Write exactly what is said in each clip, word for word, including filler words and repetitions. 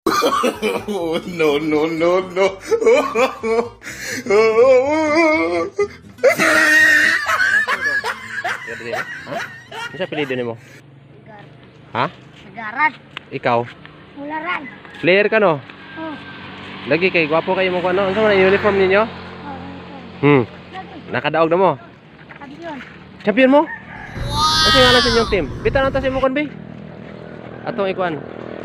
Oh, no, no, no, no. Ha? Ano siya pilido nimo? Gar. Ha? Sagaran. Ikaw? Mularan. Player ka no? Oh. Lagi kay gwapo kayo mo ko ano? Ano sa mga uniform ninyo? Oh. Hmm. Lagi. Nakadaog na mo? Kampiyon. Champion mo? Kasi nga lang sa inyong team. Bitan na ta si mo kon be. Atong ikuan.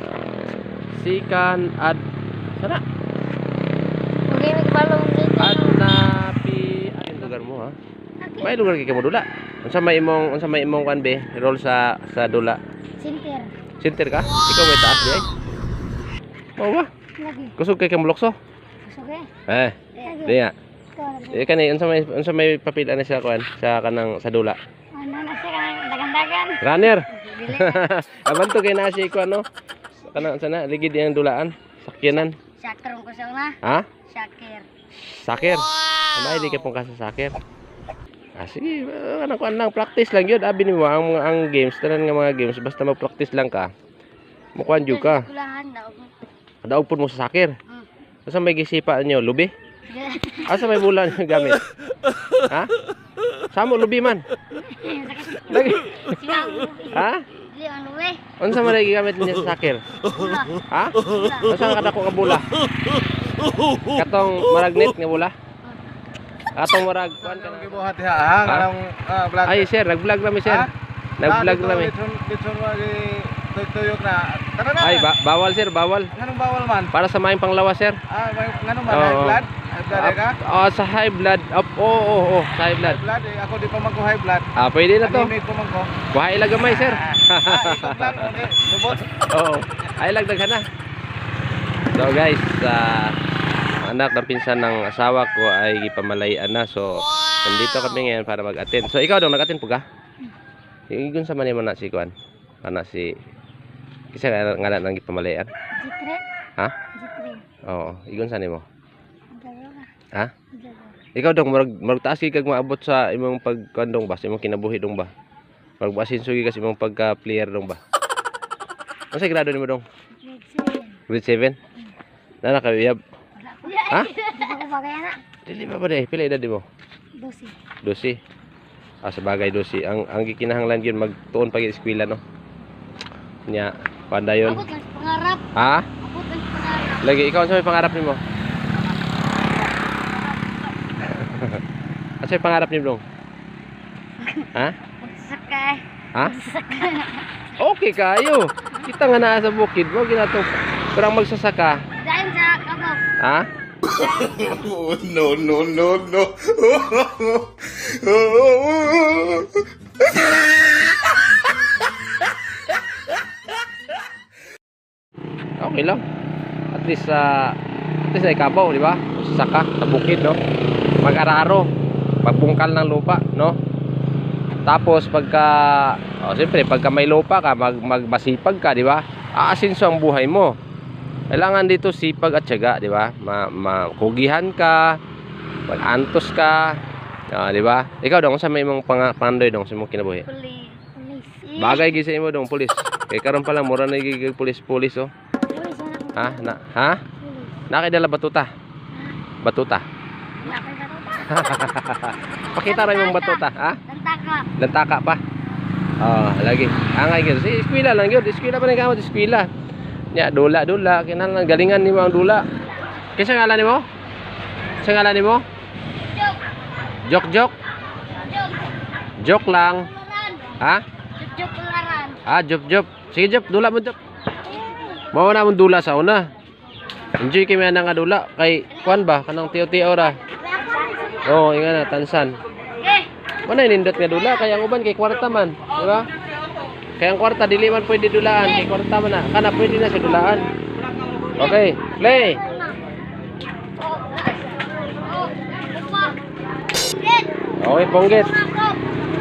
Sikan ad sana? Okay, may kabalong dito. Ad na pi ay lugar mo ha. May lugar kay mo dula. Unsa may imong unsa may imong kan be? Role sa sa dula. Sinter. Center ka? Ikaw may taas di ay. Mao ba? Lagi. Kusog kay kamulokso. Okay. Eh, Lagi. di nga. Eh kani unsa may unsa may papila na siya kuan sa kanang sa dula. Ano na siya dagan-dagan. Runner. Dili. Abanto kay na si kuan no. Kanang sana ligid yang dulaan, sakyanan. Shakir ko sa una. Ha? Shakir. Sakir. Ano ay di ka pong kasa sakir. Ah, sige, ano kuan lang practice lang yun. Abi nimo ang mga ang games, tanan nga mga games basta mag-practice lang ka. Mukuan jud ka. Kulahan daw. Daog pud mo sa sakir. Hmm. Asa may gisipa niyo, lubi? Asa may bulan yung gamit? Ha? Samo lubi man. Lagi. Ha? Dili ang luwe. Unsa man lagi gamit niya sa sakir? Bula. Ha? Unsa ka kadako nga bula? Katong maragnet nga bula? Atong marag kuan ka na. Gibuhat ha ha kanang vlog. Ay sir, nag-vlog rami sir. Ha? Nag-vlog rami. Dito mo gi tuyok na. Tara na. Ay ba bawal sir, bawal. Nganong bawal man? Para sa maing panglawas sir. Ah, may- nganong man Oo. high blood? High blood ka? Ah, sa high blood. Up, oo, oo, oo, sa high blood. High blood eh. Ako di pa magko high blood. Ah, pwede na to. Anemic ko man ko. Buhay lang gamay sir. Ah, ikaw lang okay. Subot. Oo. Ay lagdag na. So guys, ah, anak ng pinsan ng asawa ko ay gipamalayan na. So, nandito kami ngayon para mag-attend. So, ikaw daw nag-attend po ka? Igun sa man na si Kuan. Ana si Kisa nga nga nang gipamalayan. Jitre. Ha? Jitre. Oo, igun sa nimo. Garo ka. Ha? Garo. Ikaw dong murag murag taas kay kag maabot sa imong pagkandong ba, sa imong kinabuhi dong ba? Murag basin sugi kasi imong pagka-player dong ba? Unsa grado nimo dong? Grade seven. Grade seven? Nana ka uyab. Wala ko. Ha? Di ba ko bagay na? Dili pa ba dai? Pila edad mo? Dosi. Dosi. Ah, sa bagay dosi. Ang ang gikinahanglan gyud magtuon pa gyud eskwela no. Nya, panda yon. Ako lang pangarap. Ha? Ako lang pangarap. Lagi ikaw sa may pangarap nimo? Asa may pangarap nimo dong? Ha? Magsakay. Ha? Okay kayo. Kita nga naa sa bukid, mo ginatong kurang magsasaka. Dahil sa kabog. Ha? Oh, no, no, no, no. Okay lang. At least sa at least ay kabaw, di ba? Saka sa bukid, no? Mag-araro, pagbungkal ng lupa, no? Tapos pagka oh, siyempre pagka may lupa ka, mag magmasipag ka, di ba? Aasinso ang buhay mo. Kailangan dito sipag at tiyaga, di ba? Ma makugihan ka, mag-antos ka, ah, di ba? Ikaw dong sa may imong pang pandoy dong sa imong kinabuhi. Puli. Pulis. Bagay gi sa imo dong pulis. Kay karon pa lang mura na gigig pulis-pulis oh. Pulis na Ha? Na, ha? Pulis. Nakidala batuta. Batuta. Wala ko batuta. Pakita ra imong batuta, ha? Tantaka. Lantaka pa. Oh, lagi. Angay gyud. Si eskwela lang gyud. Eskwela pa ni kamot eskwela. Nya dula dula kinahanglan galingan nimo ang dula. Kinsa ngalan nimo? Kinsa ngalan nimo? Jok. Jok jok. Jok. Jok lang. Tularan. Ha? Jok tularan. Ah, jop jop. Sige jop, dula mo jop. Mao na mong dula sa una. Enjoy kay nga nga dula kay kuan ba kanang tiyo-tiyo ra. Oh, inga na tansan. Eh. Manay nindot nga dula kay ang uban kay kwarta man, di ba? Kay ang kwarta dili man pwede dulaan, kay kwarta man na. Kana pwede na sa dulaan. Okay, play. Oh. Oh. Upa. Get. Okay, ponggit. Makop.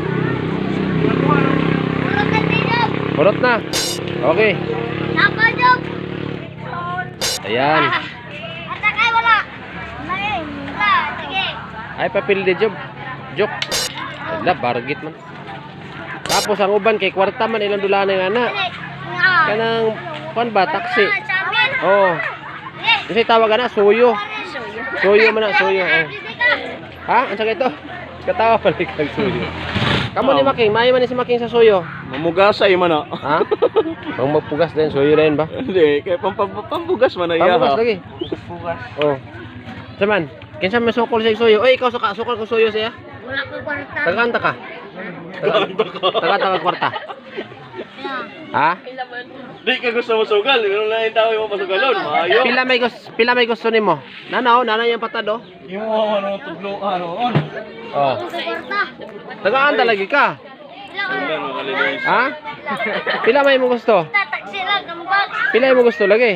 Puro ka tinog. Purot na. Okay. Nako, Jok. Ayan. At sakay wala. Wala eh. Wala. Sige. Ay papil di job. Jok. Ala bargit man. Tapos ang uban kay kwarta man ilang dulaan nga na. Dali. Nga. Kanang kuan ba taxi. Sa amin. Oh. Kasi tawag na suyo. Suyo man na, suyo. Oh. Ha? Ang sakit to? Katawa pala kang suyo. Kamu ni Making, may man ni si Making sa suyo. Mamugasay man na. Ha? Pang magpugas din, suyo rin ba? Hindi, kaya pam, pam, pambugas man na iya. Pampugas lagi. Pambugas. Oh. Saman, kinsa may sukol sa suyo? Oy, ikaw suka, sukol ko suyo siya. Wala ko kwarta. Tagaanta ka. Tagaanta ka kwarta. Ha? Di ka gusto mo sugal, meron na yung tao yung masugalon. Maayo. Pila may gusto, pila may gusto nimo? Nanaw, nanaw yung patado. Yung mga ano, tuglo, ano, on. Oh. Sa kwarta. Tagaanta lagi ka. Ano, malinis. Ha? Pila may mo gusto? Tatak sila gambag. Pila mo gusto lagi?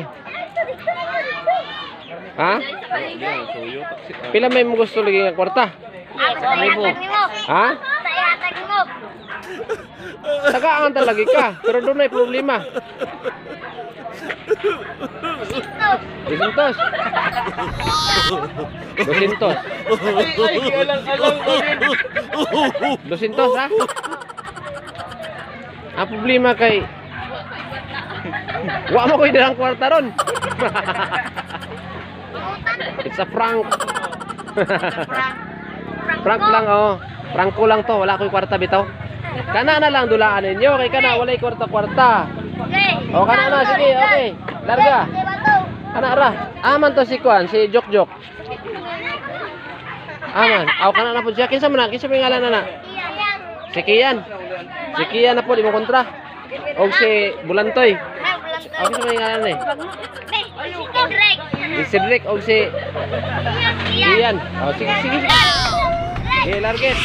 Ha? Pila may mo gusto lagi nga kwarta? Ako sa yatag nimo. Ha? Sa yatag nimo. Tagaan lagi ka, pero doon ay problema. Dusintos. Dusintos. Ay, ay, alang-alang ko din. Dusintos, ha? Ang problema kay wa mo ko'y dalang kwarta ron. It's a prank. Prank lang, oh. Prank ko lang to, wala ko'y kwarta bitaw. Kana na lang dulaan ninyo, kay kana walay kwarta-kwarta. Okay. O kana na, sige, okay. Larga. Di ba to? Kana ra. Aman to si Kuan, si Jok Jok. Aman. Aw kana na po siya. Kinsa man na? Kinsa may ngalan na na? Iya yan. Si Kian. Si Kian na po di mo kontra. Og si Bulantoy. Ay, bulan to. Aw kinsa may ngalan ni? Eh, si Kendrick. Si Cedric og si Iyan. Kian. Oh, sige sige. sige. Okay, larget.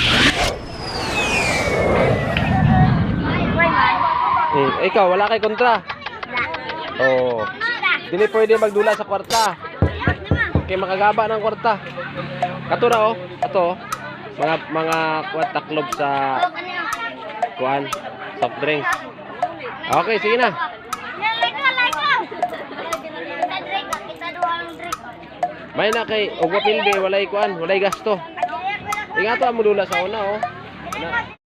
Eh, ikaw wala kay kontra. Oh. Dili pwede magdula sa kwarta. Kay makagaba ng kwarta. Kato na oh. Ato oh. Mga mga kwarta club sa kuan, soft drinks. Okay, sige na. May na kay og wapilde walay kuan, walay gasto. Ingato ang modula sa una oh. Na.